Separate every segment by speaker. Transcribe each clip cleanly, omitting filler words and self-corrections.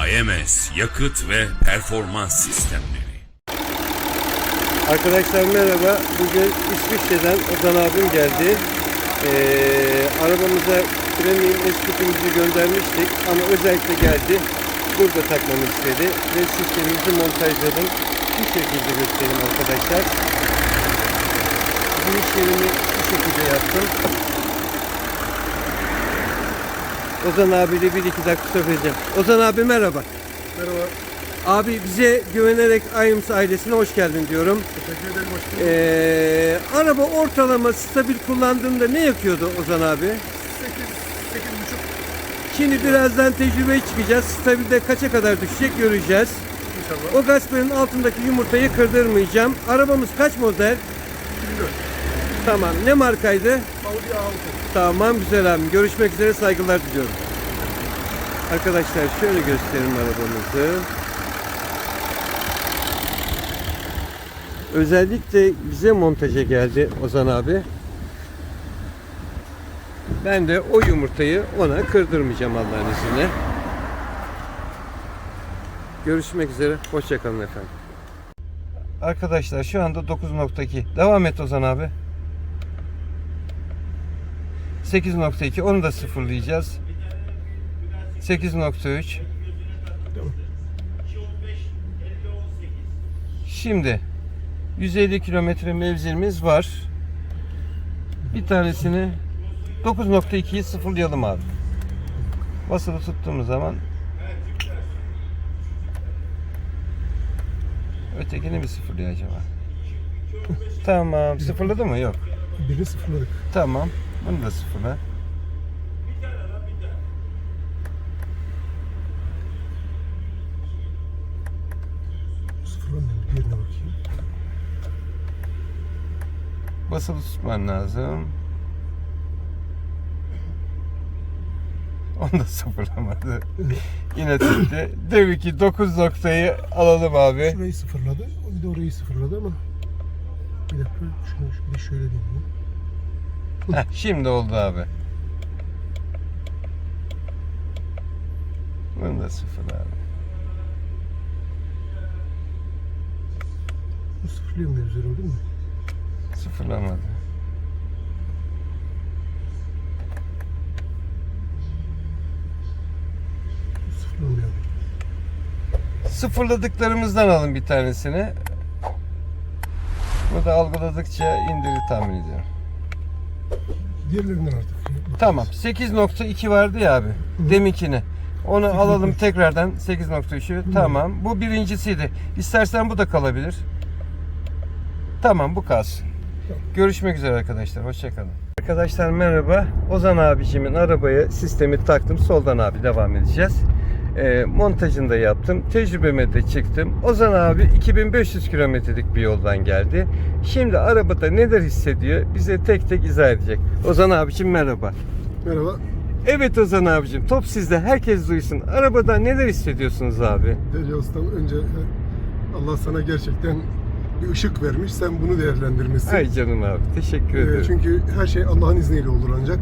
Speaker 1: AMS yakıt ve performans sistemleri.
Speaker 2: Arkadaşlar merhaba. Bugün İsviçre'den Ozan abim geldi. Arabamıza premium eskutumuzu göndermiştik ama özellikle geldi. Burada takmamı istedi ve sistemimizi montajladım. Şu şekilde göstereyim arkadaşlar. Bu işlerimi şu şekilde yaptım. Ozan abiyle 1-2 dakika sohbet edeceğim. Ozan abi merhaba.
Speaker 3: Merhaba.
Speaker 2: Abi bize güvenerek AMS ailesine hoş geldin diyorum.
Speaker 3: Teşekkür ederim. Hoş bulduk.
Speaker 2: Araba ortalama stabil kullandığında ne yakıyordu Ozan abi?
Speaker 3: 8,5.
Speaker 2: Şimdi birazdan tecrübeye çıkacağız. Stabilde kaça kadar düşecek göreceğiz.
Speaker 3: İnşallah.
Speaker 2: O gasperin altındaki yumurtayı kırdırmayacağım. Arabamız kaç model?
Speaker 3: 24.
Speaker 2: Tamam. Ne markaydı?
Speaker 3: Audi A6.
Speaker 2: Tamam güzel abim. Görüşmek üzere, saygılar diliyorum. Arkadaşlar şöyle göstereyim arabamızı. Özellikle bize montaja geldi Ozan abi. Ben de o yumurtayı ona kırdırmayacağım Allah'ın izniyle. Görüşmek üzere. Hoşça kalın efendim. Arkadaşlar şu anda 9.2. Devam et Ozan abi. 8.2. Onu da sıfırlayacağız. 8.3. Şimdi 150 kilometre mevzimiz var. Bir tanesini 9.2'yi sıfırlayalım abi. Basılı tuttuğumuz zaman ötekini mi sıfırlıyor acaba? Tamam. Sıfırladı mı? Yok.
Speaker 3: Birini sıfırladık.
Speaker 2: Tamam. Bunu da sıfırla.
Speaker 3: Sıfırlamıyorum. Diğerine bakayım.
Speaker 2: Basılı tutman lazım. Onu da sıfırlamadı. Yine tuttu. Demek ki 9 noktayı alalım abi.
Speaker 3: Şurayı sıfırladı. Bir de orayı sıfırladı ama bir dakika. Şunu bir de şöyle deneyeyim.
Speaker 2: Heh, şimdi oldu abi. Bunu da sıfır abi.
Speaker 3: Bu sıfırlıyor mu üzeri değil mi?
Speaker 2: Sıfırlamadı.
Speaker 3: Bu sıfırlamıyor.
Speaker 2: Sıfırladıklarımızdan alın bir tanesini. Bu da algıladıkça indirir tahmin ediyorum.
Speaker 3: Diğerlerinden artık.
Speaker 2: Tamam. 8.2 vardı ya abi. Deminkini. Onu alalım tekrardan 8.3'ü. Tamam. Bu birincisiydi. İstersen bu da kalabilir. Tamam bu kalsın. Görüşmek üzere arkadaşlar. Hoşçakalın. Arkadaşlar merhaba. Ozan abicimin arabaya sistemi taktım. Soldan abi devam edeceğiz. Montajını da yaptım. Tecrübeme de çıktım. Ozan abi 2500 kilometrelik bir yoldan geldi. Şimdi arabada neler hissediyor bize tek tek izah edecek. Ozan abicim merhaba.
Speaker 3: Merhaba.
Speaker 2: Evet Ozan abicim, top sizde, herkes duysun. Arabada neler hissediyorsunuz abi?
Speaker 3: Derya Ustam, önce Allah sana gerçekten bir ışık vermiş. Sen bunu değerlendirmişsin.
Speaker 2: Ay canım abi, teşekkür ederim.
Speaker 3: Çünkü her şey Allah'ın izniyle olur ancak.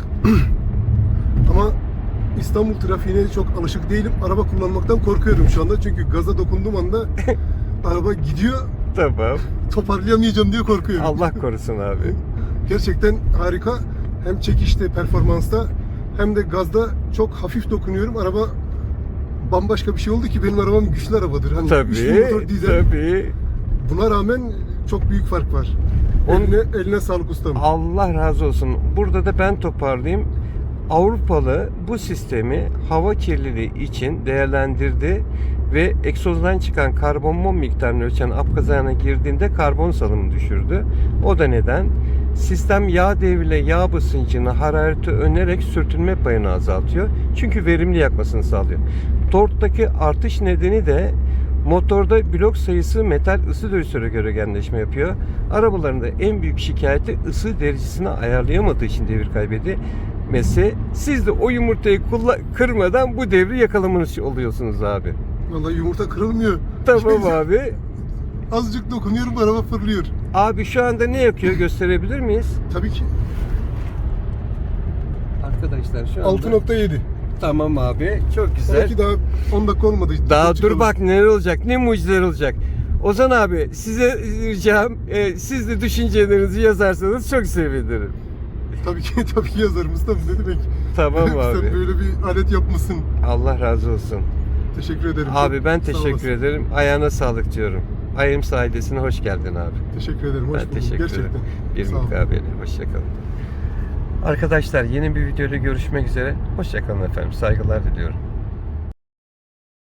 Speaker 3: Ama İstanbul trafiğine çok alışık değilim. Araba kullanmaktan korkuyorum şu anda. Çünkü gaza dokunduğum anda araba gidiyor.
Speaker 2: Tamam.
Speaker 3: Toparlayamayacağım diye korkuyorum.
Speaker 2: Allah korusun abi.
Speaker 3: Gerçekten harika. Hem çekişte, performansta hem de gazda çok hafif dokunuyorum. Araba bambaşka bir şey oldu ki benim arabam güçlü arabadır. Hani
Speaker 2: Tabii,
Speaker 3: 3 motor dizel.
Speaker 2: tabii.
Speaker 3: Buna rağmen çok büyük fark var. Eline sağlık ustam.
Speaker 2: Allah razı olsun. Burada da ben toparlayayım. Avrupalı bu sistemi hava kirliliği için değerlendirdi ve egzozdan çıkan karbon mum miktarını ölçen apkazana girdiğinde karbon salımı düşürdü. O da neden? Sistem yağ devriyle yağ basıncını, harareti önerek sürtünme payını azaltıyor. Çünkü verimli yakmasını sağlıyor. Torktaki artış nedeni de motorda blok sayısı metal ısı derecesine göre genleşme yapıyor. Arabalarında en büyük şikayeti ısı derecesini ayarlayamadığı için devir kaybediyor. Mesela siz de o yumurtayı kırmadan bu devri yakalamanız oluyorsunuz abi.
Speaker 3: Vallahi yumurta kırılmıyor.
Speaker 2: Tamam abi.
Speaker 3: Azıcık dokunuyorum, araba fırlıyor.
Speaker 2: Abi şu anda ne yakıyor gösterebilir miyiz?
Speaker 3: Tabii ki.
Speaker 2: Arkadaşlar şu anda
Speaker 3: 6.7.
Speaker 2: Tamam abi. Çok güzel.
Speaker 3: Belki daha 10 dakika olmadı.
Speaker 2: Daha
Speaker 3: Çıkalım.
Speaker 2: dur bak neler olacak. Ne mucizeler olacak. Ozan abi size ricam siz de düşüncelerinizi yazarsanız çok sevinirim.
Speaker 3: Tabii ki yazarım ustam. Ne demek?
Speaker 2: Tamam
Speaker 3: Sen
Speaker 2: abi.
Speaker 3: böyle bir alet yapmışsın.
Speaker 2: Allah razı olsun.
Speaker 3: Teşekkür ederim.
Speaker 2: Abi ben
Speaker 3: Sağ
Speaker 2: teşekkür
Speaker 3: olasın.
Speaker 2: ederim. Ayağına sağlık diyorum. Ayım ailesine hoş geldin abi.
Speaker 3: Teşekkür ederim. Hoş
Speaker 2: Ben
Speaker 3: bulduk.
Speaker 2: teşekkür
Speaker 3: Gerçekten.
Speaker 2: ederim. Bir
Speaker 3: Sağ ol.
Speaker 2: mukabele. Hoşçakalın. Arkadaşlar yeni bir videoda görüşmek üzere. Hoşçakalın efendim. Saygılar diliyorum.